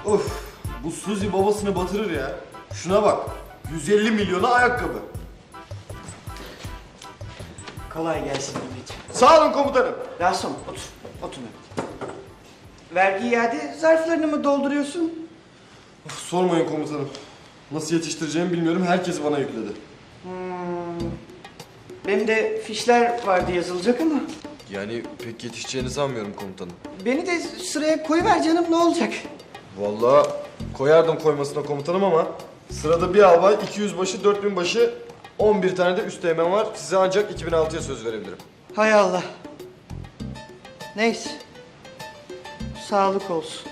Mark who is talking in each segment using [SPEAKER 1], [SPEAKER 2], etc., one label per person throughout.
[SPEAKER 1] Of, bu Suzi babasını batırır ya. Şuna bak, 150 milyona ayakkabı.
[SPEAKER 2] Kolay gelsin Mehmetciğim.
[SPEAKER 1] Sağ olun komutanım.
[SPEAKER 2] Rasom otur. Otur Mehmet. Vergi iade zarflarını mı dolduruyorsun?
[SPEAKER 1] Of, sormayın komutanım. Nasıl yetiştireceğimi bilmiyorum, herkes bana yükledi.
[SPEAKER 2] Benim de fişler vardı yazılacak ama.
[SPEAKER 1] Yani pek yetişeceğini sanmıyorum komutanım.
[SPEAKER 2] Beni de sıraya koyuver canım, ne olacak?
[SPEAKER 1] Vallahi koyardım koymasına komutanım ama sırada bir albay, 200 başı, 4000 başı, 11 tane de üsteğmen var. Size ancak 2006'ya söz verebilirim.
[SPEAKER 2] Hay Allah. Neyse. Sağlık olsun.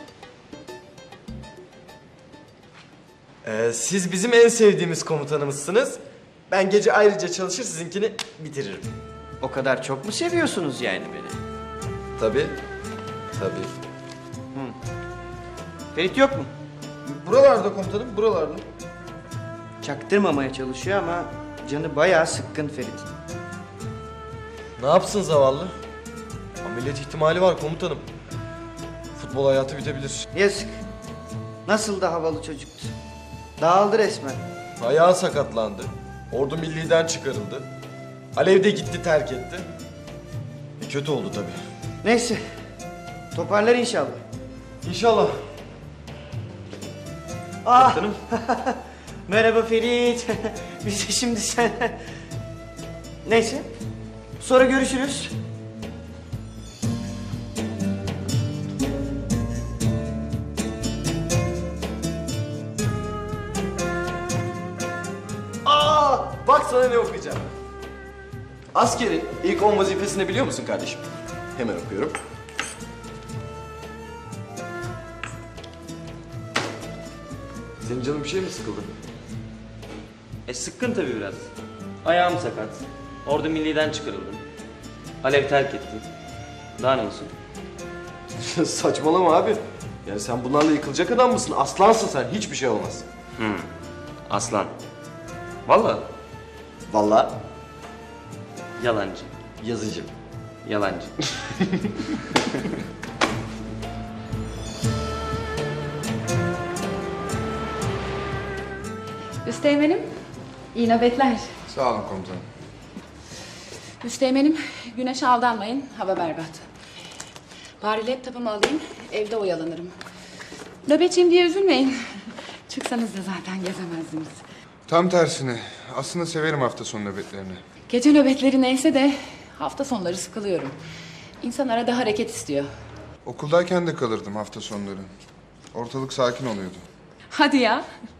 [SPEAKER 1] Siz bizim en sevdiğimiz komutanımızsınız. Ben gece ayrıca çalışır sizinkini bitiririm.
[SPEAKER 2] O kadar çok mu seviyorsunuz yani beni?
[SPEAKER 1] Tabii. Tabii.
[SPEAKER 2] Ferit yok mu?
[SPEAKER 1] Buralarda komutanım, buralarda.
[SPEAKER 2] Çaktırmamaya çalışıyor ama canı bayağı sıkkın Ferit'in.
[SPEAKER 1] Ne yapsın zavallı? Ameliyat ihtimali var komutanım. Futbol hayatı bitebilir.
[SPEAKER 2] Yazık. Nasıl da havalı çocuktu. Dağıldı resmen.
[SPEAKER 1] Ayağı sakatlandı. Ordu milliden çıkarıldı. Alev de gitti, terk etti. Kötü oldu tabii.
[SPEAKER 2] Neyse. Toparlar inşallah.
[SPEAKER 1] İnşallah.
[SPEAKER 2] Ah. Merhaba Ferit. Biz de şimdi sen... Neyse. Sonra görüşürüz.
[SPEAKER 1] Bak sana ne okuyacağım. Askerin ilk 10 vazifesini biliyor musun kardeşim? Hemen okuyorum. Senin canın bir şey mi sıkıldı?
[SPEAKER 3] Sıkkın tabii biraz. Ayağım sakat. Ordu milliden çıkarıldım. Alev terk etti. Daha ne olsun?
[SPEAKER 1] Saçmalama abi. Yani sen bunlarla yıkılacak adam mısın? Aslansın sen. Hiçbir şey olmaz.
[SPEAKER 3] Aslan. Vallahi
[SPEAKER 1] Vallahi
[SPEAKER 3] yalancı.
[SPEAKER 1] yazıcı.
[SPEAKER 3] Yalancı.
[SPEAKER 4] Üsteğmenim, iyi nöbetler.
[SPEAKER 5] Sağ olun komutanım.
[SPEAKER 4] Üsteğmenim, güneşe aldanmayın, hava berbat. Bari laptopumu alayım, evde oyalanırım. Nöbetçiyim diye üzülmeyin. Çıksanız da zaten gezemezdiniz.
[SPEAKER 5] Tam tersine. Aslında severim hafta sonu nöbetlerini.
[SPEAKER 4] Gece nöbetleri neyse de hafta sonları sıkılıyorum. İnsan arada hareket istiyor.
[SPEAKER 5] Okuldayken de kalırdım hafta sonları. Ortalık sakin oluyordu.
[SPEAKER 4] Hadi ya.